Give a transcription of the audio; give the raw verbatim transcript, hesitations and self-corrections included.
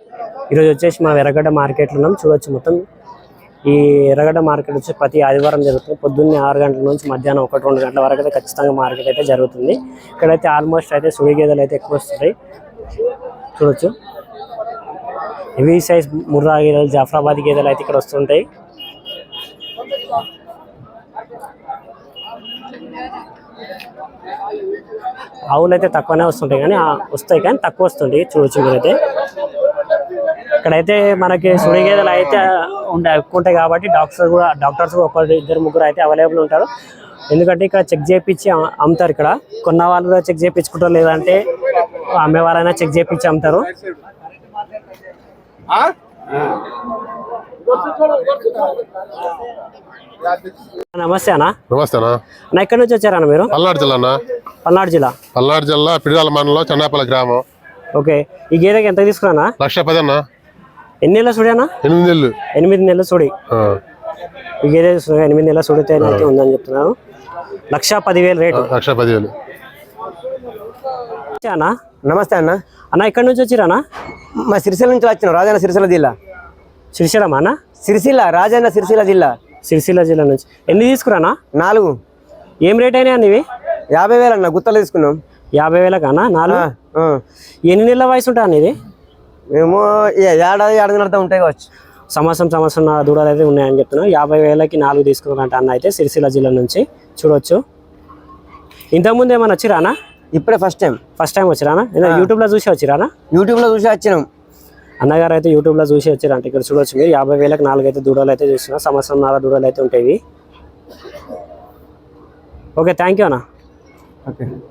ఈరోజు వచ్చేసి మా ఎర్రగడ్డ మార్కెట్లో ఉన్నాం. చూడొచ్చు మొత్తం ఈ ఎర్రగడ్డ మార్కెట్ వచ్చి ప్రతి ఆదివారం జరుగుతుంది. పొద్దున్నే ఆరు గంటల నుంచి మధ్యాహ్నం ఒకటి రెండు గంటల వరకు అయితే ఖచ్చితంగా మార్కెట్ అయితే జరుగుతుంది. ఇక్కడైతే ఆల్మోస్ట్ అయితే సుడి గేదెలు అయితే ఎక్కువ వస్తాయి. చూడొచ్చు హెవీ సైజ్ ముర్రా గేదెలు, జాఫ్రాబాద్ గేదెలు అయితే ఇక్కడ వస్తుంటాయి. ఆవులు అయితే తక్కువనే వస్తుంటాయి కానీ వస్తాయి కానీ తక్కువ వస్తుంటాయి. చూడొచ్చు మీరైతే ఇక్కడైతే మనకి సుడి గేదెలు అయితే ఉండే ఎక్కువ ఉంటాయి కాబట్టి డాక్టర్స్ కూడా డాక్టర్స్ కూడా ఒకరు ఇద్దరు ముగ్గురు అయితే అవైలబుల్ ఉంటారు. ఎందుకంటే ఇక్కడ చెక్ చేయించి అమ్ముతారు. ఇక్కడ కొన్న వాళ్ళు కూడా చెక్ చేయించుకుంటారు, లేదంటే అమ్మే వాళ్ళైనా చెక్ చేయించి అమ్ముతారు. నమస్తే అన్న. నమస్తే అన్న. అన్న ఎక్కడి నుంచి వచ్చారన్న మీరు? పల్నాడు జిల్లా అన్న. పల్నాడు జిల్లా పల్నాడు జిల్లా పిడియాల మండలం చెన్నాపల్లి గ్రామం. ఓకే, ఈ గేదెకి ఎంత తీసుకున్నా? లక్ష పది అన్న. ఎన్ని నెలల సుడి అన్న? ఎనిమిది నెలలు. ఎనిమిది నెలల సుడి. ఈ గేదె ఎనిమిది నెలల సుడితే అయితే ఉందని చెప్తున్నాను. లక్ష పదివేలు రేటు. లక్ష పదివేలు. అన్న నమస్తే అన్న. అన్న ఎక్కడి నుంచి వచ్చిరన్నా? మా సిరిసిల్ల నుంచి వచ్చినాం. రాజన్న సిరిసిల్ల జిల్లా. సిరిసిల్లమా అన్న? సిరిసిల్ల, రాజన్న సిరిసిల్ల జిల్లా. సిరిసిల్ల జిల్లా నుంచి. ఎన్ని తీసుకురానా? నాలుగు. ఏం రేట్ అయినా అన్న ఇవి? యాభై వేలు అన్న. గుత్తలు తీసుకున్నాం. యాభై వేలకు అన్న నాలుగు. ఎన్ని నెలల వయసు ఉంటా అన్న ఇది? మేము ఏడాది ఏడాది ఉంటాయి కావచ్చు. సంవత్సరం సంవత్సరం దూడలు అయితే ఉన్నాయని చెప్తున్నాం. యాభై వేలకి నాలుగు తీసుకున్నారంట అన్న అయితే సిరిసిల్ల జిల్లా నుంచి. చూడొచ్చు. ఇంతకుముందు ఏమన్నా వచ్చిరానా? ఇప్పుడే ఫస్ట్ టైం. ఫస్ట్ టైం వచ్చిరానా? యూట్యూబ్లో చూసి వచ్చిరానా? యూట్యూబ్లో చూసి వచ్చినాం. అన్నగారు అయితే యూట్యూబ్లో చూసి వచ్చారంట. ఇక్కడ చూడొచ్చు మీరు. యాభై వేలకు నాలుగు అయితే దూడలు అయితే చూస్తున్నారు. సంవత్సరం నాలుగు దూడలు అయితే ఉంటాయి. ఓకే, థ్యాంక్ యూ అన్న. ఓకే.